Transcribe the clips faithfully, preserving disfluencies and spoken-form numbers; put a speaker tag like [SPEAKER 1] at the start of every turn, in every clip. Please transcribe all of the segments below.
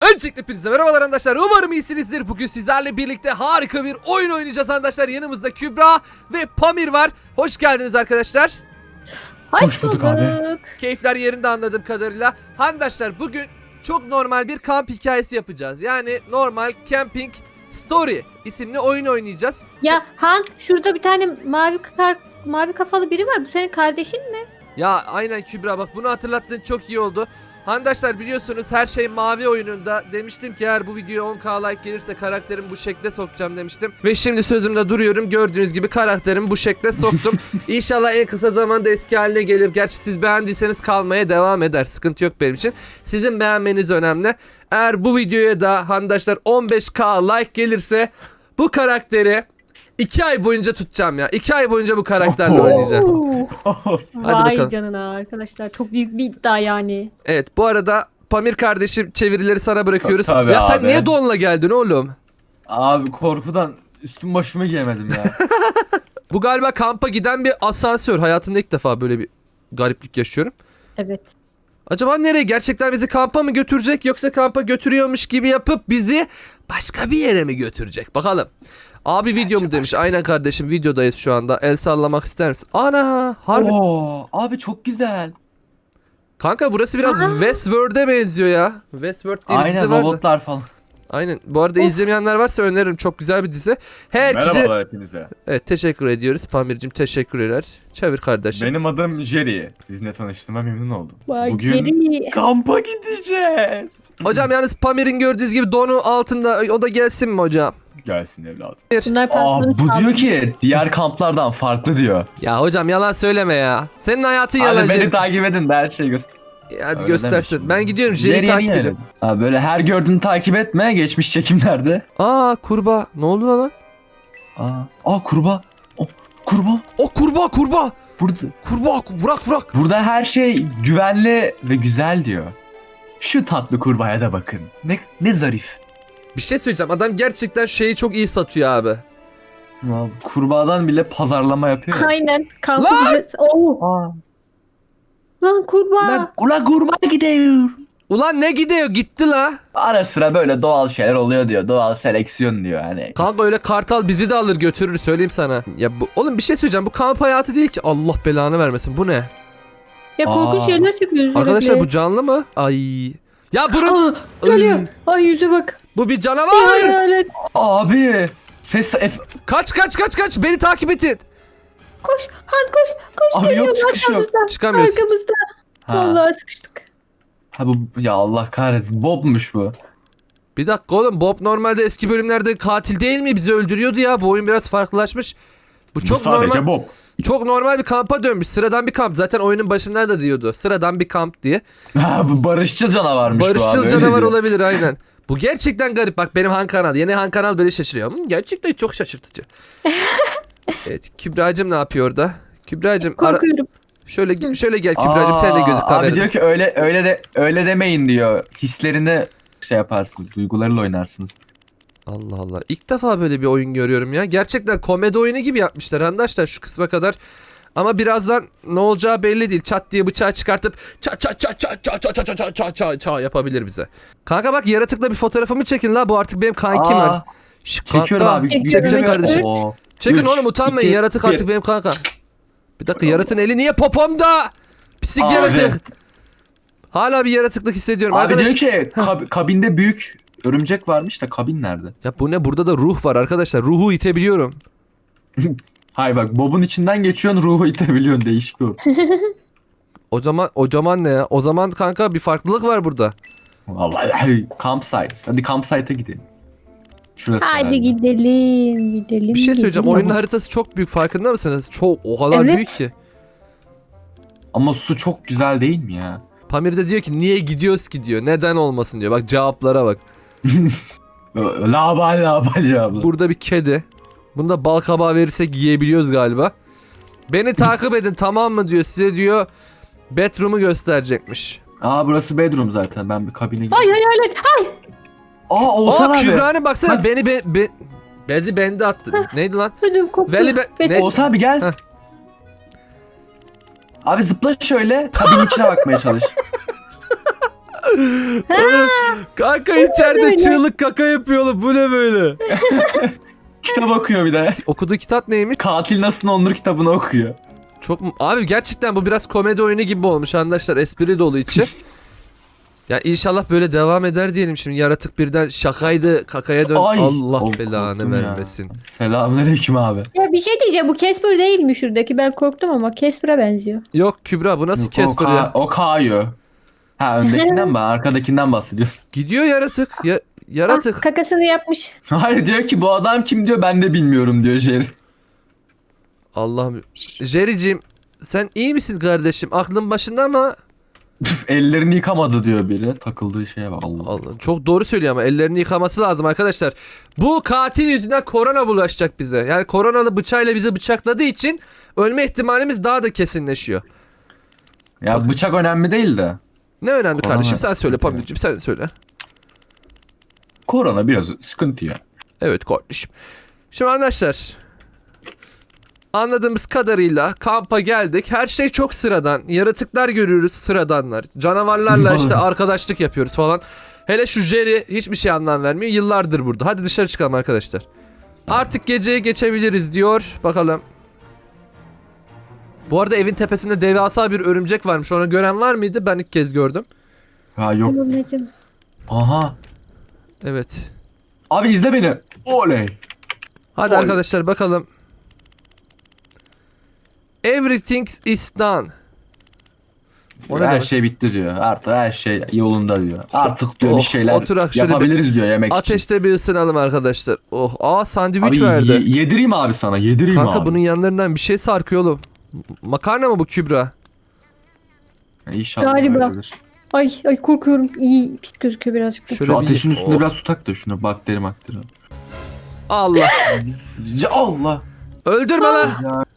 [SPEAKER 1] Öncelikle hepinize merhabalar arkadaşlar. Umarım iyisinizdir. Bugün sizlerle birlikte harika bir oyun oynayacağız arkadaşlar. Yanımızda Kübra ve Pamir var. Hoş geldiniz arkadaşlar.
[SPEAKER 2] Hoş bulduk abi.
[SPEAKER 1] Keyifler yerinde anladığım kadarıyla. Arkadaşlar bugün çok normal bir kamp hikayesi yapacağız. Yani normal Camping Story isimli oyun oynayacağız.
[SPEAKER 2] Ya Han, şurada bir tane mavi kar, mavi kafalı biri var. Bu senin kardeşin mi?
[SPEAKER 1] Ya aynen Kübra, bak bunu hatırlattığın çok iyi oldu. Arkadaşlar biliyorsunuz her şey mavi oyununda. Demiştim ki eğer bu video on K like gelirse karakterimi bu şekle sokacağım demiştim. Ve şimdi sözümde duruyorum. Gördüğünüz gibi karakterimi bu şekle soktum. İnşallah en kısa zamanda eski haline gelir. Gerçi siz beğendiyseniz kalmaya devam eder. Sıkıntı yok benim için. Sizin beğenmeniz önemli. Eğer bu videoya da arkadaşlar on beş K like gelirse bu karakteri iki ay boyunca tutacağım ya. iki ay boyunca bu karakterle oynayacağım. Hadi
[SPEAKER 2] Vay
[SPEAKER 1] bakalım.
[SPEAKER 2] canına arkadaşlar. Çok büyük bir iddia yani.
[SPEAKER 1] Evet, bu arada Pamir kardeşim çevirileri sana bırakıyoruz.
[SPEAKER 3] Tabii
[SPEAKER 1] ya sen
[SPEAKER 3] abi.
[SPEAKER 1] niye donla geldin oğlum?
[SPEAKER 3] Abi korkudan üstüm başımı giyemedim ya.
[SPEAKER 1] Bu galiba kampa giden bir asansör. Hayatımda ilk defa böyle bir gariplik yaşıyorum.
[SPEAKER 2] Evet.
[SPEAKER 1] Acaba nereye? Gerçekten bizi kampa mı götürecek yoksa kampa götürüyormuş gibi yapıp bizi başka bir yere mi götürecek? Bakalım. Abi video mu demiş. Aynen kardeşim, videodayız şu anda. El sallamak ister misin? Ana harbi.
[SPEAKER 3] Oo, abi çok güzel.
[SPEAKER 1] Kanka burası biraz
[SPEAKER 2] Aa.
[SPEAKER 1] Westworld'e benziyor ya. Westworld diye bir dizi
[SPEAKER 3] Aynen
[SPEAKER 1] vardı.
[SPEAKER 3] robotlar falan.
[SPEAKER 1] Aynen. Bu arada
[SPEAKER 2] Of.
[SPEAKER 1] izlemeyenler varsa öneririm. Çok güzel bir dizi. Herkese...
[SPEAKER 4] Merhabalar hepinize.
[SPEAKER 1] Evet, teşekkür ediyoruz. Pamir'cim teşekkürler. Çevir kardeşim.
[SPEAKER 4] Benim adım Jerry. Sizinle tanıştığıma memnun oldum.
[SPEAKER 2] Vay
[SPEAKER 4] Bugün
[SPEAKER 2] Jerry.
[SPEAKER 3] Kampa gideceğiz.
[SPEAKER 1] Hocam yalnız Pamir'in gördüğünüz gibi donu altında. O da gelsin mi hocam?
[SPEAKER 4] gelsin evladım.
[SPEAKER 2] Bunlar
[SPEAKER 3] Aa,
[SPEAKER 2] pantolonu
[SPEAKER 3] bu diyor
[SPEAKER 2] çalmış.
[SPEAKER 3] ki diğer kamplardan farklı diyor.
[SPEAKER 1] Ya hocam yalan söyleme ya. Senin hayatın
[SPEAKER 3] Abi
[SPEAKER 1] yalan.
[SPEAKER 3] beni
[SPEAKER 1] Jerry.
[SPEAKER 3] takip edin de her şeyi göster.
[SPEAKER 1] Hadi
[SPEAKER 3] Öyle
[SPEAKER 1] göstersin.
[SPEAKER 3] deme
[SPEAKER 1] Ben
[SPEAKER 3] şimdi.
[SPEAKER 1] gidiyorum. Jerry'i
[SPEAKER 3] Jerry'yi
[SPEAKER 1] takip
[SPEAKER 3] niye
[SPEAKER 1] ediyorum.
[SPEAKER 3] öyle? Abi böyle her gördüğünü takip etme geçmiş çekimlerde.
[SPEAKER 1] Aa kurbağa. Ne oldu lan?
[SPEAKER 3] Aa, aa kurbağa. O, kurbağa.
[SPEAKER 1] O kurbağa kurbağa.
[SPEAKER 3] Burada,
[SPEAKER 1] Kurbağa vurak vurak.
[SPEAKER 3] burada her şey güvenli ve güzel diyor. Şu tatlı kurbağaya da bakın. Ne, ne zarif.
[SPEAKER 1] Bir şey söyleyeceğim. Adam gerçekten şeyi çok iyi satıyor abi.
[SPEAKER 3] Abi, kurbağadan bile pazarlama yapıyor. ya.
[SPEAKER 2] Aynen. Kampı
[SPEAKER 1] Lan!
[SPEAKER 2] bize... Oo.
[SPEAKER 3] Aa,
[SPEAKER 2] Lan kurbağa.
[SPEAKER 3] Ula, ula kurbağa gidiyor.
[SPEAKER 1] Ulan ne gidiyor? Gitti la.
[SPEAKER 3] Ara sıra böyle doğal şeyler oluyor diyor. Doğal seleksiyon diyor hani.
[SPEAKER 1] Kanka öyle kartal bizi de alır götürür, söyleyeyim sana. Ya bu, oğlum bir şey söyleyeceğim. Bu kamp hayatı değil ki. Allah belanı vermesin. Bu ne?
[SPEAKER 2] Ya korkunç
[SPEAKER 3] Aa.
[SPEAKER 2] şeyler çıkıyor.
[SPEAKER 1] Arkadaşlar bu canlı mı? Ay. Ya bunun...
[SPEAKER 2] Aa, geliyor. Ay yüze bak.
[SPEAKER 1] Bu bir
[SPEAKER 2] Ay
[SPEAKER 1] canavar.
[SPEAKER 2] hayalet.
[SPEAKER 3] Abi ses F...
[SPEAKER 1] Kaç kaç kaç kaç. Beni takip edin.
[SPEAKER 2] Koş. Han koş. Koş
[SPEAKER 3] Abi
[SPEAKER 2] geliyor.
[SPEAKER 3] yok çıkış yok.
[SPEAKER 2] Arkamızda.
[SPEAKER 1] Çıkamıyoruz.
[SPEAKER 2] Arkamızda.
[SPEAKER 3] Ha.
[SPEAKER 2] Vallahi sıkıştık.
[SPEAKER 3] ha bu ya Allah kahretsin. Bob'muş bu.
[SPEAKER 1] Bir dakika oğlum, Bob normalde eski bölümlerde katil değil mi? Bizi öldürüyordu ya. Bu oyun biraz farklılaşmış. Bu çok
[SPEAKER 4] Bu sadece
[SPEAKER 1] normal.
[SPEAKER 4] Bob.
[SPEAKER 1] Çok normal bir kampa dönmüş. Sıradan bir kamp. Zaten oyunun başında da diyordu. Sıradan bir kamp diye.
[SPEAKER 3] Ha bu barışçıl canavarmış bu abi.
[SPEAKER 1] Barışçıl
[SPEAKER 3] öyle
[SPEAKER 1] canavar
[SPEAKER 3] diyor.
[SPEAKER 1] olabilir aynen. Bu gerçekten garip. Bak benim Han Kanal. Yeni Han Kanal böyle şaşırıyor. Hmm, gerçekten çok şaşırtıcı. Evet, Kübra'cığım ne yapıyor orada? Kübra'cığım ara...
[SPEAKER 2] Korkuyorum.
[SPEAKER 1] şöyle şöyle gel Kübra'cığım, sen de gözük
[SPEAKER 3] Aa,
[SPEAKER 1] kamerada.
[SPEAKER 3] Abi diyor ki öyle öyle de öyle demeyin diyor. Hislerini şey yaparsınız. Duygularıyla oynarsınız.
[SPEAKER 1] Allah Allah. İlk defa böyle bir oyun görüyorum ya. Gerçekten komedi oyunu gibi yapmışlar arkadaşlar şu kısma kadar. Ama birazdan ne olacağı belli değil. Çat diye bıçağı çıkartıp ça ça ça ça ça ça ça ça ça ça ça yapabilir bize. Kanka bak, yaratıkla bir fotoğrafımı çekin la. Bu artık benim kankim
[SPEAKER 3] Aa,
[SPEAKER 1] var. Şş,
[SPEAKER 3] Çekiyorum
[SPEAKER 1] kanka.
[SPEAKER 3] abi.
[SPEAKER 2] Çekiyorum,
[SPEAKER 1] Çekeceğim
[SPEAKER 2] çekiyorum.
[SPEAKER 1] kardeşim.
[SPEAKER 3] Oo.
[SPEAKER 1] Çekin
[SPEAKER 3] Üç,
[SPEAKER 1] oğlum, utanmayın.
[SPEAKER 3] iki,
[SPEAKER 1] Yaratık
[SPEAKER 3] bir.
[SPEAKER 1] artık benim kanka. Bir dakika, yaratığın eli niye popomda? Pislik
[SPEAKER 3] Abi.
[SPEAKER 1] yaratık. Hala bir yaratıklık hissediyorum.
[SPEAKER 3] Abi
[SPEAKER 1] Arkadaş...
[SPEAKER 3] diyor ki kab- kabinde büyük örümcek varmış da kabin nerede?
[SPEAKER 1] Ya bu ne? Burada da ruh var arkadaşlar. Ruhu itebiliyorum.
[SPEAKER 3] Hayır bak Bob'un içinden geçiyorsun ruhu itebiliyorsun değişik o.
[SPEAKER 1] O zaman o zaman ne ya? O zaman kanka bir farklılık var burada.
[SPEAKER 3] Vallahi campsite. Hadi campsite'a gidelim. Şurası herhalde.
[SPEAKER 2] Hadi gidelim. Gidelim.
[SPEAKER 1] Bir şey söyleyeceğim.
[SPEAKER 2] gidelim.
[SPEAKER 1] Oyunun haritası çok büyük, farkında mısınız? Çok, o kadar
[SPEAKER 2] Evet.
[SPEAKER 1] büyük ki.
[SPEAKER 3] Ama su çok güzel değil mi ya?
[SPEAKER 1] Pamir de diyor ki niye gidiyoruz ki diyor. Neden olmasın diyor. Bak cevaplara bak.
[SPEAKER 3] Labal labal cevabı.
[SPEAKER 1] Burada bir kedi. Bunu da bal kabağı verirsek yiyebiliyoruz galiba. Beni takip edin tamam mı diyor. Size diyor bedroom'u gösterecekmiş.
[SPEAKER 3] Aa burası bedroom zaten. Ben bir kabine
[SPEAKER 2] Ay
[SPEAKER 3] gideyim.
[SPEAKER 2] hayalet. Ay.
[SPEAKER 3] Aa Oğuzhan
[SPEAKER 1] Aa
[SPEAKER 3] abi.
[SPEAKER 1] Kübra'nın baksana
[SPEAKER 3] Bak.
[SPEAKER 1] beni be, be, bezi bende attı. Neydi lan?
[SPEAKER 2] Ödüm koptu.
[SPEAKER 1] Veli be,
[SPEAKER 2] Bet-
[SPEAKER 1] ne?
[SPEAKER 3] Oğuzhan abi gel.
[SPEAKER 1] Heh.
[SPEAKER 3] Abi zıpla şöyle kabinin içine bakmaya çalış.
[SPEAKER 1] Kanka içeride
[SPEAKER 2] böyle?
[SPEAKER 1] çığlık kaka yapıyor oğlum. Bu ne böyle?
[SPEAKER 3] Kitap okuyor bir de.
[SPEAKER 1] Okuduğu kitap neymiş?
[SPEAKER 3] Katil nasıl olunur kitabını okuyor.
[SPEAKER 1] Çok mu- Abi gerçekten bu biraz komedi oyunu gibi olmuş arkadaşlar. Espri dolu içi. Ya inşallah böyle devam eder diyelim şimdi. Yaratık birden şakaydı kakaya dön.
[SPEAKER 3] Ay.
[SPEAKER 1] Allah
[SPEAKER 3] Oğlum,
[SPEAKER 1] belanı
[SPEAKER 3] korktum ya.
[SPEAKER 1] vermesin.
[SPEAKER 3] Selamünaleyküm abi.
[SPEAKER 2] Ya bir şey diyeceğim, bu Casper değil mi şuradaki? Ben korktum ama Casper'a benziyor.
[SPEAKER 1] Yok Kübra bu nasıl
[SPEAKER 3] Yok, o,
[SPEAKER 1] Casper
[SPEAKER 3] ka-
[SPEAKER 1] ya?
[SPEAKER 3] o Kayo. Ha öndekinden mi? Arkadakinden bahsediyorsun.
[SPEAKER 1] Gidiyor yaratık. Ya,
[SPEAKER 2] Ah,
[SPEAKER 1] yaratık.
[SPEAKER 2] kakasını yapmış.
[SPEAKER 3] Hayır diyor ki bu adam kim diyor ben de bilmiyorum diyor Jerry.
[SPEAKER 1] Allah'ım. Jerry'cim sen iyi misin kardeşim? Aklın başında ama
[SPEAKER 3] Ellerini yıkamadı diyor biri. Takıldığı şeye bak Allah.
[SPEAKER 1] Allah, çok doğru söylüyor ama ellerini yıkaması lazım arkadaşlar. Bu katil yüzünden korona bulaşacak bize. Yani koronalı bıçağıyla bizi bıçakladığı için ölme ihtimalimiz daha da kesinleşiyor.
[SPEAKER 3] Ya bıçak önemli değil de.
[SPEAKER 1] Ne önemli
[SPEAKER 3] Korona
[SPEAKER 1] kardeşim? Sen söyle
[SPEAKER 3] sıkıntı ya.
[SPEAKER 1] Pamir'cim sen söyle.
[SPEAKER 3] Korona biraz sıkıntı ya.
[SPEAKER 1] Evet kardeşim. Şimdi arkadaşlar anladığımız kadarıyla kampa geldik. Her şey çok sıradan. Yaratıklar görüyoruz sıradanlar. Canavarlarla işte arkadaşlık yapıyoruz falan. Hele şu Jerry hiçbir şey anlam vermiyor. Yıllardır burada. Hadi dışarı çıkalım arkadaşlar. Artık geceye geçebiliriz diyor. Bakalım. Bu arada evin tepesinde devasa bir örümcek varmış. Onu gören var mıydı? Ben ilk kez gördüm.
[SPEAKER 3] Ha yok.
[SPEAKER 2] Anneciğim.
[SPEAKER 3] Aha.
[SPEAKER 1] Evet.
[SPEAKER 3] Abi izle beni. Oley.
[SPEAKER 1] Hadi
[SPEAKER 3] Oy.
[SPEAKER 1] arkadaşlar bakalım. Everything is done. O ne
[SPEAKER 3] her
[SPEAKER 1] demek?
[SPEAKER 3] şey bitti diyor. Artık her şey yolunda diyor. Artık diyor
[SPEAKER 1] Oh,
[SPEAKER 3] bir şeyler
[SPEAKER 1] oturak şöyle bir
[SPEAKER 3] yapabiliriz diyor yemek için.
[SPEAKER 1] Ateşte bir ısınalım arkadaşlar. Oh, aa sandviç
[SPEAKER 3] Abi
[SPEAKER 1] verdi.
[SPEAKER 3] ye- yedireyim abi sana yedireyim
[SPEAKER 1] Kanka
[SPEAKER 3] abi.
[SPEAKER 1] bunun yanlarından bir şey sarkıyor oğlum. M- Makarna mı bu Kübra?
[SPEAKER 3] Ya İnşallah
[SPEAKER 2] Galiba.
[SPEAKER 3] öyledir.
[SPEAKER 2] Ay ay korkuyorum. İyi pis gözüküyor birazcık da.
[SPEAKER 1] Şöyle
[SPEAKER 3] Şu
[SPEAKER 1] bir-
[SPEAKER 3] ateşin üstünde
[SPEAKER 1] Oh.
[SPEAKER 3] biraz su tak da şunu bakteri makteri.
[SPEAKER 1] Allah.
[SPEAKER 3] Ya Allah.
[SPEAKER 1] Öldürme lan.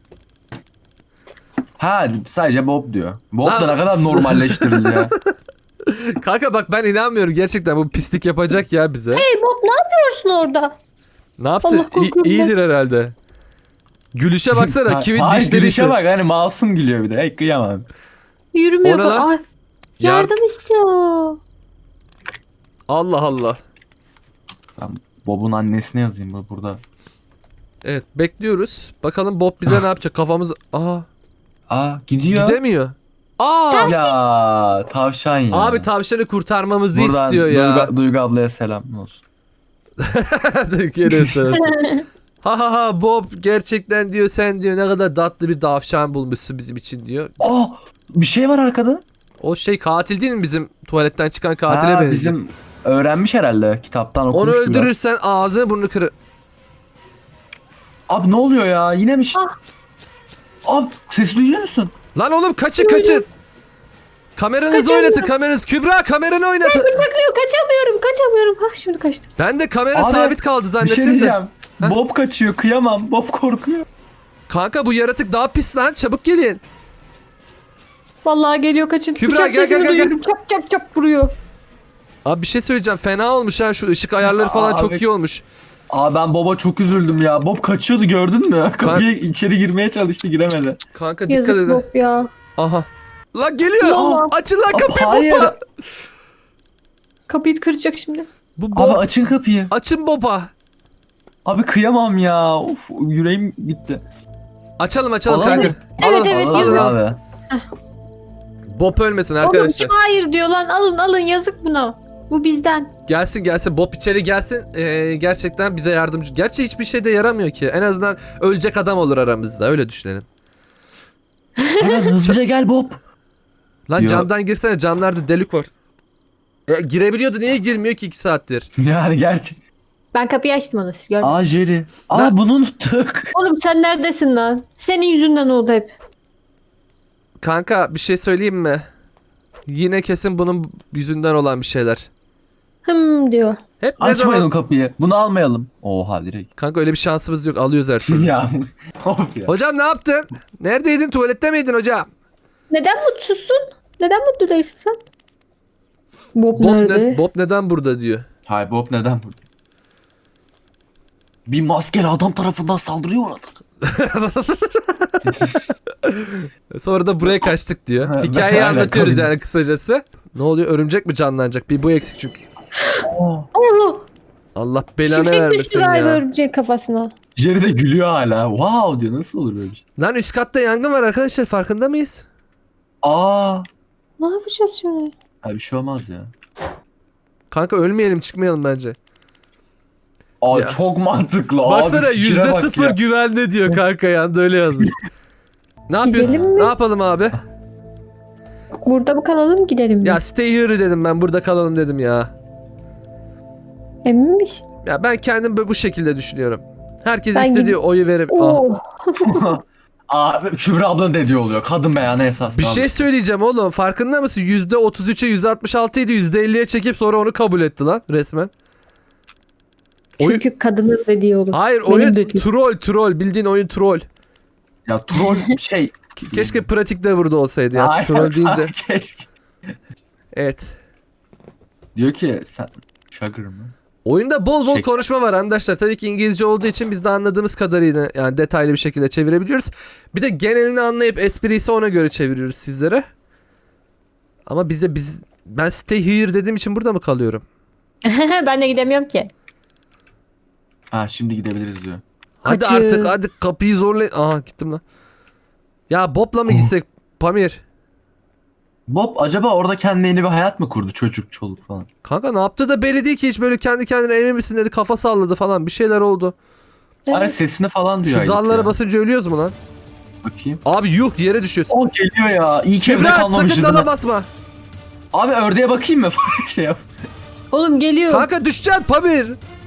[SPEAKER 3] Ha sadece Bob diyor. Bob
[SPEAKER 1] Lan-
[SPEAKER 3] da ne kadar normalleştirildi ya.
[SPEAKER 1] Kanka bak ben inanmıyorum gerçekten bu pislik yapacak ya bize.
[SPEAKER 2] Hey Bob, ne yapıyorsun orada?
[SPEAKER 1] Ne yapsın?
[SPEAKER 2] Allah korkuyorum
[SPEAKER 1] İyi-
[SPEAKER 2] ben.
[SPEAKER 1] iyidir herhalde. Gülüşe baksana
[SPEAKER 3] Ha-
[SPEAKER 1] kimin
[SPEAKER 3] Hayır
[SPEAKER 1] dişleri
[SPEAKER 3] gülüşe
[SPEAKER 1] ise-
[SPEAKER 3] bak hani masum gülüyor bir de. Hey kıyamam.
[SPEAKER 2] Yürümüyor.
[SPEAKER 1] O ne lan?
[SPEAKER 2] Ay,
[SPEAKER 1] Yar-
[SPEAKER 2] yardım istiyor.
[SPEAKER 1] Allah Allah.
[SPEAKER 3] Ben Bob'un annesine yazayım bu burada.
[SPEAKER 1] Evet bekliyoruz. Bakalım Bob bize ne yapacak kafamız... Aa
[SPEAKER 3] Aa gidiyor.
[SPEAKER 1] gidemiyor. Aa
[SPEAKER 3] Ya tavşan ya.
[SPEAKER 1] abi tavşanı kurtarmamızı
[SPEAKER 3] Buradan
[SPEAKER 1] istiyor ya.
[SPEAKER 3] Duygu, Duygu ablaya selam olsun.
[SPEAKER 1] Türkiye'de sırası. Ha ha ha Bob gerçekten diyor sen diyor ne kadar tatlı bir tavşan bulmuşsun bizim için diyor.
[SPEAKER 3] Aa bir şey var arkada.
[SPEAKER 1] O şey katil değil mi bizim tuvaletten çıkan katile
[SPEAKER 3] Ha,
[SPEAKER 1] benziyor.
[SPEAKER 3] bizim öğrenmiş herhalde kitaptan
[SPEAKER 1] Onu
[SPEAKER 3] okumuştu biraz.
[SPEAKER 1] öldürürsen ağzını burnunu kırı.
[SPEAKER 3] Abi ne oluyor ya yine mi? ş-
[SPEAKER 2] Ah.
[SPEAKER 3] Abi sesi duyuyor musun?
[SPEAKER 1] Lan oğlum kaçın kaçın. Kameranızı
[SPEAKER 2] Kaçamıyorum.
[SPEAKER 1] oynatın kameranız. Kübra kameranı oynatın.
[SPEAKER 2] Bıçaklıyor, kaçamıyorum kaçamıyorum. Ha şimdi kaçtım.
[SPEAKER 1] Ben de kamera
[SPEAKER 3] Abi,
[SPEAKER 1] sabit kaldı
[SPEAKER 3] Bir
[SPEAKER 1] zannettim
[SPEAKER 3] şey
[SPEAKER 1] de.
[SPEAKER 3] diyeceğim.
[SPEAKER 1] Ha?
[SPEAKER 3] Bob kaçıyor kıyamam. Bob korkuyor.
[SPEAKER 1] Kanka bu yaratık daha pis lan çabuk gelin.
[SPEAKER 2] Vallahi geliyor, kaçın.
[SPEAKER 1] Kübra,
[SPEAKER 2] Bıçak
[SPEAKER 1] gel,
[SPEAKER 2] sesini
[SPEAKER 1] gel, gel,
[SPEAKER 2] duyuyorum. Çap çap çap vuruyor.
[SPEAKER 1] Abi bir şey söyleyeceğim fena olmuş ha şu ışık ayarları falan
[SPEAKER 3] Abi.
[SPEAKER 1] çok iyi olmuş.
[SPEAKER 3] Aa ben Bob'a çok üzüldüm ya. Bob kaçıyordu gördün mü? Kapıya içeri girmeye çalıştı giremedi.
[SPEAKER 1] Kanka dikkat
[SPEAKER 2] Yazık
[SPEAKER 1] edin.
[SPEAKER 2] Bob ya.
[SPEAKER 1] Aha. Lan geliyor.
[SPEAKER 2] Allah.
[SPEAKER 1] Açın lan
[SPEAKER 3] Abi,
[SPEAKER 1] kapıyı
[SPEAKER 3] hayır.
[SPEAKER 1] Bob'a.
[SPEAKER 2] Kapıyı kıracak şimdi.
[SPEAKER 1] Bu Bob.
[SPEAKER 3] Abi açın kapıyı.
[SPEAKER 1] Açın Bob'a.
[SPEAKER 3] Abi kıyamam ya. Of yüreğim gitti.
[SPEAKER 1] Açalım açalım
[SPEAKER 3] Alalım
[SPEAKER 1] kanka.
[SPEAKER 3] mı?
[SPEAKER 2] Evet,
[SPEAKER 1] Alın.
[SPEAKER 2] evet,
[SPEAKER 3] Alalım
[SPEAKER 2] yazın.
[SPEAKER 3] abi.
[SPEAKER 1] Bob ölmesin
[SPEAKER 2] Oğlum
[SPEAKER 1] arkadaşlar.
[SPEAKER 2] kim hayır diyor lan, alın alın, yazık buna. Bu bizden.
[SPEAKER 1] Gelsin gelsin Bob içeri gelsin. Ee, gerçekten bize yardımcı. Gerçi hiçbir şey de yaramıyor ki. En azından ölecek adam olur aramızda öyle düşünelim.
[SPEAKER 3] Hemen hızlıca gel Bob.
[SPEAKER 1] Lan
[SPEAKER 3] Diyor.
[SPEAKER 1] camdan girsene camlarda delik var. E, girebiliyordu niye girmiyor ki iki saattir?
[SPEAKER 3] Yani gerçek.
[SPEAKER 2] Ben kapıyı açtım onu, siz görmediniz.
[SPEAKER 3] Aa Jerry. Aa
[SPEAKER 1] Ne?
[SPEAKER 3] bunu unuttuk.
[SPEAKER 2] Oğlum sen neredesin lan? Senin yüzünden oldu hep.
[SPEAKER 1] Kanka bir şey söyleyeyim mi? Yine kesin bunun yüzünden olan bir şeyler.
[SPEAKER 2] Hım diyor.
[SPEAKER 1] Hep ne
[SPEAKER 3] Açmayın
[SPEAKER 1] zaman...
[SPEAKER 3] o kapıyı. Bunu almayalım. Oha direkt.
[SPEAKER 1] Kanka öyle bir şansımız yok alıyoruz her türlü.
[SPEAKER 3] ya. Of ya.
[SPEAKER 1] Hocam ne yaptın? Neredeydin tuvalette miydin hocam?
[SPEAKER 2] Neden mutsuzsun? Neden mutlu değilsin sen? Bob,
[SPEAKER 1] Bob,
[SPEAKER 2] nerede?
[SPEAKER 1] ne- Bob neden burada diyor.
[SPEAKER 3] Hayır Bob neden burada? Bir maskeli adam tarafından saldırıyor orada.
[SPEAKER 1] Sonra da buraya kaçtık diyor.
[SPEAKER 3] Ha,
[SPEAKER 1] Hikayeyi
[SPEAKER 3] aynen,
[SPEAKER 1] anlatıyoruz
[SPEAKER 3] kabul.
[SPEAKER 1] yani kısacası. Ne oluyor? Örümcek mi canlanacak? Bir bu eksik çünkü.
[SPEAKER 2] Oo,
[SPEAKER 1] Allah belanı
[SPEAKER 2] şimşek
[SPEAKER 1] vermesin
[SPEAKER 2] düştü galiba
[SPEAKER 1] ya.
[SPEAKER 2] örümceğin kafasına.
[SPEAKER 3] Jerry de gülüyor hala. Wow diyor. Nasıl olur böyle bir şey?
[SPEAKER 1] Lan üst katta yangın var arkadaşlar, farkında mıyız?
[SPEAKER 3] Aa.
[SPEAKER 2] Ne yapacağız şimdi?
[SPEAKER 3] Abi bir şey olmaz ya.
[SPEAKER 1] Kanka ölmeyelim, çıkmayalım bence.
[SPEAKER 3] Aa
[SPEAKER 1] Ya.
[SPEAKER 3] çok mantıklı.
[SPEAKER 1] Baksana
[SPEAKER 3] abi, fikire
[SPEAKER 1] yüzde
[SPEAKER 3] bak
[SPEAKER 1] sıfır
[SPEAKER 3] ya.
[SPEAKER 1] güvende diyor kanka, yanda öyle yazmış. Ne
[SPEAKER 2] Gidelim
[SPEAKER 1] yapıyorsun?
[SPEAKER 2] mi?
[SPEAKER 1] Ne yapalım abi?
[SPEAKER 2] Burada mı kalalım gidelim mi?
[SPEAKER 1] Ya stay here dedim ben, burada kalalım dedim ya.
[SPEAKER 2] Emin misin?
[SPEAKER 1] Ya ben kendim bu bu şekilde düşünüyorum. Herkes
[SPEAKER 2] Ben
[SPEAKER 1] istediği
[SPEAKER 2] gid-
[SPEAKER 1] oyu verip... Ah.
[SPEAKER 2] Oo.
[SPEAKER 3] Aa Kübra abla ne diyor oluyor? Kadın beyanı esas.
[SPEAKER 1] Bir şey söyleyeceğim oğlum, farkında mısın? yüzde otuz üçe yüzde altmış altı idi, yüzde elliye çekip sonra onu kabul etti lan resmen. Oy-
[SPEAKER 2] Çünkü kadının dediği olur.
[SPEAKER 1] Hayır,
[SPEAKER 2] Benim
[SPEAKER 1] oyun
[SPEAKER 2] dediğim.
[SPEAKER 1] troll troll, bildiğin oyun troll.
[SPEAKER 3] Ya troll şey.
[SPEAKER 1] Ke- Keşke pratikte burada olsaydı ya,
[SPEAKER 3] Aynen,
[SPEAKER 1] troll deyince.
[SPEAKER 3] Keşke.
[SPEAKER 1] Evet.
[SPEAKER 3] Diyor ki sen Sugar mı?
[SPEAKER 1] Oyunda bol bol
[SPEAKER 3] Şey-
[SPEAKER 1] konuşma var arkadaşlar. Tabii ki İngilizce olduğu için biz de anladığımız kadarıyla yani detaylı bir şekilde çevirebiliyoruz. Bir de genelini anlayıp espriyi ise ona göre çeviriyoruz sizlere. Ama bize biz ben stay here dediğim için burada mı kalıyorum?
[SPEAKER 2] Ben de gidemiyorum ki.
[SPEAKER 3] Ha şimdi gidebiliriz diyor.
[SPEAKER 1] Hadi
[SPEAKER 2] Kaçın.
[SPEAKER 1] artık, hadi kapıyı zorlayın. Aha gittim lan. Ya Bob'la mı gitsek Pamir?
[SPEAKER 3] Bob acaba orada kendine yeni bir hayat mı kurdu? Çocuk, çoluk falan.
[SPEAKER 1] Kanka ne yaptı da belli değil ki, hiç böyle kendi kendine emin misin dedi, kafa salladı falan, bir şeyler oldu.
[SPEAKER 3] Bari sesini falan diyor.
[SPEAKER 1] Şu
[SPEAKER 3] aylık
[SPEAKER 1] dallara
[SPEAKER 3] ya.
[SPEAKER 1] basınca ölüyoruz mu lan?
[SPEAKER 3] Bakayım.
[SPEAKER 1] Abi yuh, yere düşüyorsun.
[SPEAKER 3] O geliyor ya. İyi ki evde
[SPEAKER 1] Kübra sakın
[SPEAKER 3] kalmamışız.
[SPEAKER 1] dala
[SPEAKER 3] ha.
[SPEAKER 1] basma.
[SPEAKER 3] Abi ördeğe bakayım mı? şey yap.
[SPEAKER 2] Oğlum geliyor.
[SPEAKER 1] Kanka düşeceksin Pamir.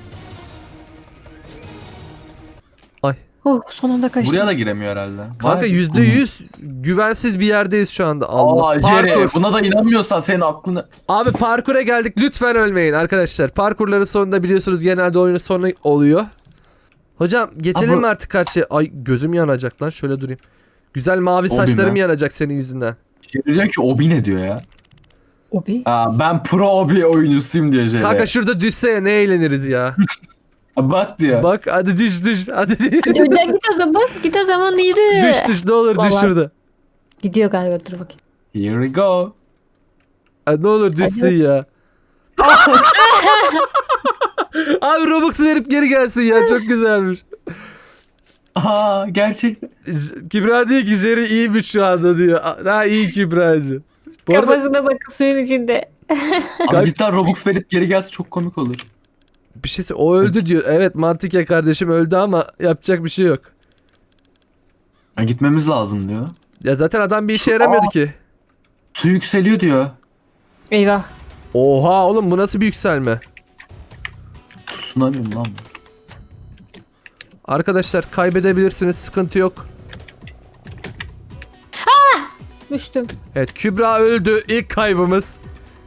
[SPEAKER 1] Ay.
[SPEAKER 2] Oh sonunda kaçtım.
[SPEAKER 3] Buraya da giremiyor herhalde.
[SPEAKER 1] Kanka
[SPEAKER 3] Vay.
[SPEAKER 1] yüzde yüz güvensiz bir yerdeyiz şu anda. Allah.
[SPEAKER 3] Aa Jerry
[SPEAKER 1] Parkur.
[SPEAKER 3] buna da inanmıyorsan senin aklını...
[SPEAKER 1] Abi parkura geldik. Lütfen ölmeyin arkadaşlar. Parkurların sonunda biliyorsunuz genelde oyunun sonu oluyor. Hocam geçelim
[SPEAKER 3] Abi-
[SPEAKER 1] mi artık karşıya? Ay gözüm yanacak lan. Şöyle durayım. Güzel mavi
[SPEAKER 3] Obi
[SPEAKER 1] saçlarım
[SPEAKER 3] mi?
[SPEAKER 1] yanacak senin yüzünden.
[SPEAKER 3] Jerry diyor ki Obi ne diyor ya?
[SPEAKER 2] Obi.
[SPEAKER 3] Aa, ben pro Obi oyuncusuyum diyor Jerry.
[SPEAKER 1] Kanka şurada düşse ya, ne eğleniriz ya.
[SPEAKER 3] Aa, bak diyor.
[SPEAKER 1] Bak hadi düş düş. Hadi düş.
[SPEAKER 2] Hadi önden git o zaman. Git o zaman yürü.
[SPEAKER 1] Düş düş, ne olur düş
[SPEAKER 2] Vallahi.
[SPEAKER 1] şurada.
[SPEAKER 2] Gidiyor galiba, dur bakayım.
[SPEAKER 3] Here we go.
[SPEAKER 1] Hadi ne olur düşsün ya. Abi Robux'u verip geri gelsin ya, çok güzelmiş.
[SPEAKER 3] Aa gerçekten.
[SPEAKER 1] J- Kübra diyor ki Jerry iyiymiş şu anda diyor. A- Daha iyi Kübra'cı. Bu arada
[SPEAKER 2] Kafasına bakın suyun içinde.
[SPEAKER 3] Abi cidden Robux verip geri gelse çok komik olur.
[SPEAKER 1] bir şey söyle- o öldü diyor. Evet mantıken kardeşim öldü ama yapacak bir şey yok.
[SPEAKER 3] Ha, gitmemiz lazım diyor.
[SPEAKER 1] Ya zaten adam bir işe yaramıyordu ki.
[SPEAKER 3] Su yükseliyor diyor.
[SPEAKER 2] Eyvah.
[SPEAKER 1] Oha oğlum, bu nasıl bir yükselme?
[SPEAKER 3] Tsunami mi lan bu?
[SPEAKER 1] Arkadaşlar kaybedebilirsiniz, sıkıntı yok.
[SPEAKER 2] Düştüm.
[SPEAKER 1] Evet Kübra öldü, ilk kaybımız.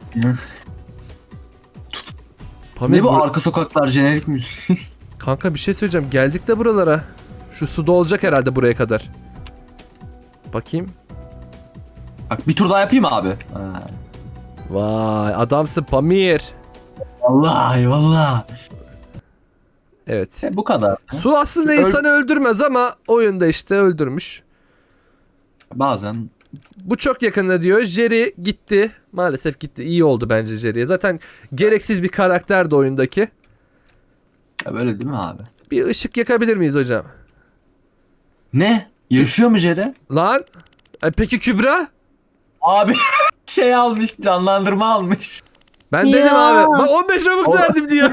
[SPEAKER 1] Pamir,
[SPEAKER 3] Ne bu
[SPEAKER 1] bu-
[SPEAKER 3] arka sokaklar jenerik müzik?
[SPEAKER 1] Kanka bir şey söyleyeceğim, geldik de buralara. Şu suda olacak herhalde buraya kadar. Bakayım.
[SPEAKER 3] Bak bir tur daha yapayım mı abi? Ha.
[SPEAKER 1] Vay adamsın Pamir.
[SPEAKER 3] Vallahi vallahi.
[SPEAKER 1] Evet.
[SPEAKER 3] E, bu kadar.
[SPEAKER 1] Su aslında
[SPEAKER 3] Öl-
[SPEAKER 1] insanı öldürmez ama oyunda işte öldürmüş.
[SPEAKER 3] Bazen
[SPEAKER 1] Bu çok yakında diyor. Jerry gitti. Maalesef gitti. İyi oldu bence Jerry'ye. Zaten gereksiz bir karakterdi oyundaki.
[SPEAKER 3] ya böyle değil mi abi?
[SPEAKER 1] Bir ışık yakabilir miyiz hocam?
[SPEAKER 3] Ne? Yaşıyor mu Jere?
[SPEAKER 1] Lan. E, peki Kübra?
[SPEAKER 3] Abi şey almış, canlandırma almış.
[SPEAKER 1] Ben
[SPEAKER 2] Ya.
[SPEAKER 1] dedim abi. Bak on beş Robux
[SPEAKER 3] O-
[SPEAKER 1] verdim diyor.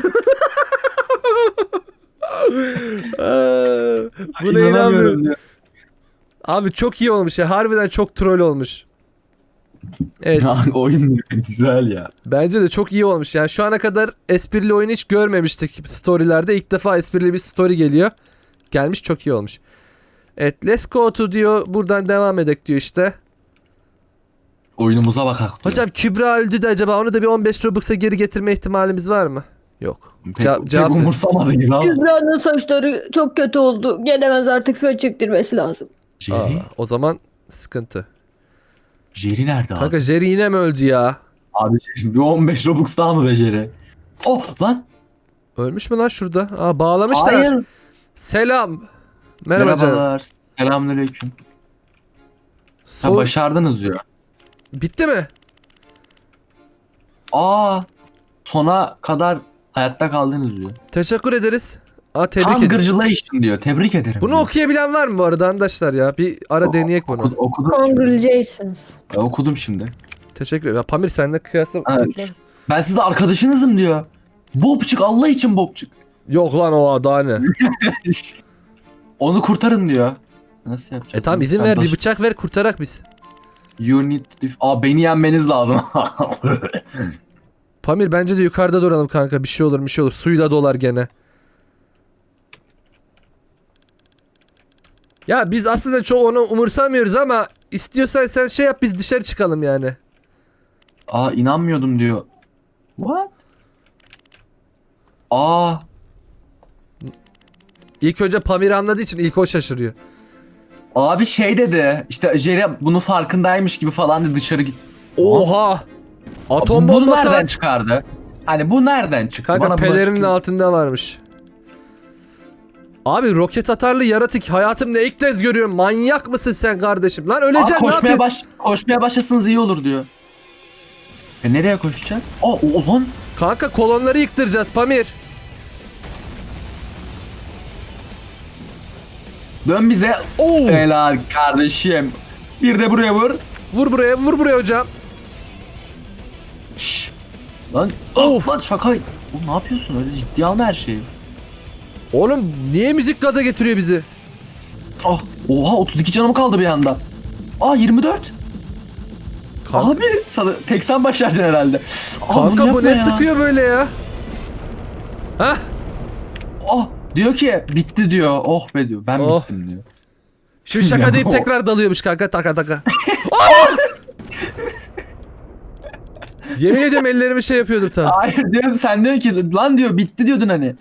[SPEAKER 1] Aa, Buna
[SPEAKER 3] İnanamıyorum
[SPEAKER 1] inanmıyorum.
[SPEAKER 3] diyor.
[SPEAKER 1] Abi çok iyi olmuş ya. Harbiden çok troll olmuş. Evet.
[SPEAKER 3] Ya, oyun güzel ya.
[SPEAKER 1] Bence de çok iyi olmuş. Yani şu ana kadar esprili oyunu hiç görmemiştik storylerde. İlk defa esprili bir story geliyor. Gelmiş, çok iyi olmuş. Evet, let's go to diyor. Buradan devam edek diyor işte.
[SPEAKER 3] Oyunumuza bakak diyor.
[SPEAKER 1] Hocam Kübra öldü de acaba onu da bir on beş Robux'a geri getirme ihtimalimiz var mı? Yok.
[SPEAKER 3] pek,
[SPEAKER 1] Ce-
[SPEAKER 3] pek
[SPEAKER 1] cevap ver.
[SPEAKER 3] umursamadı gibi ama.
[SPEAKER 2] Kübra'nın saçları çok kötü oldu. Gelemez artık, fön çektirmesi lazım.
[SPEAKER 1] Aa,
[SPEAKER 3] Jerry?
[SPEAKER 1] o zaman sıkıntı.
[SPEAKER 3] Jerry nerede abi?
[SPEAKER 1] Kanka Jerry yine mi öldü ya?
[SPEAKER 3] Abi şimdi bir on beş Robux daha mı be Jerry? Oh lan.
[SPEAKER 1] Ölmüş mü lan şurada? Aa, bağlamışlar.
[SPEAKER 3] Hayır.
[SPEAKER 1] Selam. Merhaba canım.
[SPEAKER 3] Merhabalar. Selamünaleyküm. Ha,
[SPEAKER 1] Soğuk-
[SPEAKER 3] başardınız diyor.
[SPEAKER 1] Bitti mi?
[SPEAKER 3] Aa, sona kadar hayatta kaldınız diyor.
[SPEAKER 1] Teşekkür ederiz. Aa, tebrik
[SPEAKER 3] Tam
[SPEAKER 1] ederim.
[SPEAKER 3] gırcılayışın diyor. Tebrik ederim.
[SPEAKER 1] Bunu
[SPEAKER 3] diyor.
[SPEAKER 1] okuyabilen var mı bu arada arkadaşlar ya? Bir ara
[SPEAKER 3] O-
[SPEAKER 1] deneyek bunu.
[SPEAKER 3] Oku- okudum.
[SPEAKER 2] Congratulations.
[SPEAKER 3] Ya, okudum şimdi.
[SPEAKER 1] Teşekkür ederim. Ya Pamir seninle kıyasla...
[SPEAKER 3] Ha, ben sizde arkadaşınızım diyor. Bobçuk, Allah için Bobçuk.
[SPEAKER 1] Yok lan o daha ne?
[SPEAKER 3] Onu kurtarın diyor. Nasıl yapacağız?
[SPEAKER 1] E tamam izin
[SPEAKER 3] Sen
[SPEAKER 1] ver bir
[SPEAKER 3] baş-
[SPEAKER 1] bıçak ver kurtarak biz.
[SPEAKER 3] You need to... Aa, beni yenmeniz lazım.
[SPEAKER 1] Pamir bence de yukarıda duralım kanka. Bir şey olur bir şey olur. Suyu da dolar gene. Ya biz aslında çok onu umursamıyoruz ama istiyorsan sen şey yap biz dışarı çıkalım yani.
[SPEAKER 3] Aa, inanmıyordum diyor. What? Aa,
[SPEAKER 1] İlk önce Pamir anladığı için ilk o şaşırıyor.
[SPEAKER 3] abi şey dedi. İşte Jerry bunun farkındaymış gibi falan dedi, dışarı git.
[SPEAKER 1] Oha! Atom
[SPEAKER 3] Bu- Bunu
[SPEAKER 1] bombası
[SPEAKER 3] nereden
[SPEAKER 1] at.
[SPEAKER 3] çıkardı? Hani bu nereden çıktı?
[SPEAKER 1] Kanka
[SPEAKER 3] Bana bunu
[SPEAKER 1] pelerinin
[SPEAKER 3] açıklayın.
[SPEAKER 1] altında varmış. Abi roket atarlı yaratık hayatımda ilk kez görüyorum. Manyak mısın sen kardeşim? Lan
[SPEAKER 3] Aa,
[SPEAKER 1] öleceksin ne
[SPEAKER 3] koşmaya
[SPEAKER 1] yapıyorsun?
[SPEAKER 3] baş koşmaya başlasanız iyi olur diyor. E nereye koşacağız? Aa, o lan.
[SPEAKER 1] Kanka kolonları yıktıracağız Pamir.
[SPEAKER 3] Dön bize.
[SPEAKER 1] Oo!
[SPEAKER 3] Helal kardeşim. Bir de buraya vur.
[SPEAKER 1] Vur buraya vur buraya hocam.
[SPEAKER 3] Şşş. Lan,
[SPEAKER 1] Of.
[SPEAKER 3] lan şaka. Oğlum ne yapıyorsun, öyle ciddiye alma her şeyi.
[SPEAKER 1] Oğlum niye müzik gaza getiriyor bizi?
[SPEAKER 3] Ah, oha, otuz iki canım kaldı bir anda. Aa, yirmi dört.
[SPEAKER 1] Kanka,
[SPEAKER 3] Abi sana tek sen başaracaksın herhalde. Aa, bunu
[SPEAKER 1] kanka bu
[SPEAKER 3] yapma
[SPEAKER 1] ne
[SPEAKER 3] ya.
[SPEAKER 1] sıkıyor böyle ya? Hah?
[SPEAKER 3] Ah, diyor ki bitti diyor. Oh be diyor. Ben
[SPEAKER 1] Oh.
[SPEAKER 3] bittim diyor.
[SPEAKER 1] Şimdi şaka
[SPEAKER 3] Ya,
[SPEAKER 1] deyip
[SPEAKER 3] o-
[SPEAKER 1] tekrar dalıyormuş kanka taka taka. Aa! Yemin ediyorum ellerimi şey yapıyordum tam.
[SPEAKER 3] Hayır diyor, sen diyor ki lan diyor bitti diyordun hani.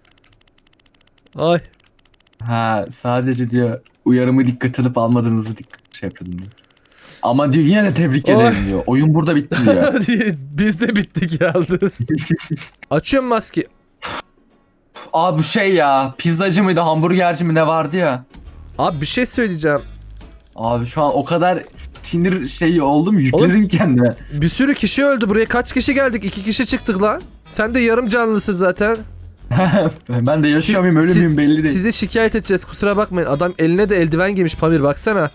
[SPEAKER 1] Ay.
[SPEAKER 3] Ha, sadece diyor uyarımı dikkat edip almadığınızı dik şey yapıyordum diyor. Ama diyor yine de tebrik
[SPEAKER 1] Oy.
[SPEAKER 3] ederim diyor. Oyun burada bitti diyor.
[SPEAKER 1] Biz de bittik yalnız. Açıyorum maske.
[SPEAKER 3] Abi bu şey ya, pizzacı mıydı hamburgerci mi ne vardı ya.
[SPEAKER 1] Abi bir şey söyleyeceğim.
[SPEAKER 3] Abi şu an o kadar sinir şeyi oldum, yükledim kendime.
[SPEAKER 1] Bir sürü kişi öldü. Buraya kaç kişi geldik? İki kişi çıktık lan. Sen de yarım canlısın zaten.
[SPEAKER 3] Ben de yaşıyor muyum ölü
[SPEAKER 1] Siz-
[SPEAKER 3] müyüm belli değil.
[SPEAKER 1] Size şikayet edeceğiz. Kusura bakmayın. Adam eline de eldiven giymiş Pamir baksana.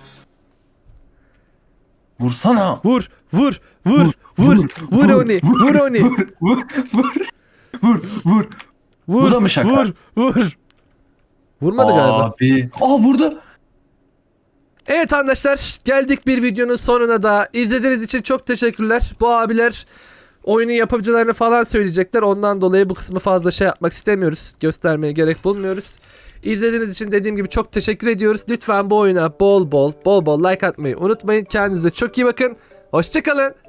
[SPEAKER 3] Vursana.
[SPEAKER 1] Vur, vur, vur, vur, vur, onu, vur onu.
[SPEAKER 3] Vur, vur, vur, vur, vur.
[SPEAKER 1] Vur,
[SPEAKER 3] Bu da mı şaka?
[SPEAKER 1] Vur, vur. Vurmadı galiba.
[SPEAKER 3] Abi. Aa, vurdu.
[SPEAKER 1] Evet arkadaşlar geldik bir videonun sonuna da. İzlediğiniz için çok teşekkürler. Bu abiler oyunun yapımcılarını falan söyleyecekler. Ondan dolayı bu kısmı fazla şey yapmak istemiyoruz. Göstermeye gerek bulmuyoruz. İzlediğiniz için dediğim gibi çok teşekkür ediyoruz. Lütfen bu oyuna bol bol bol bol like atmayı unutmayın. Kendinize çok iyi bakın. Hoşçakalın.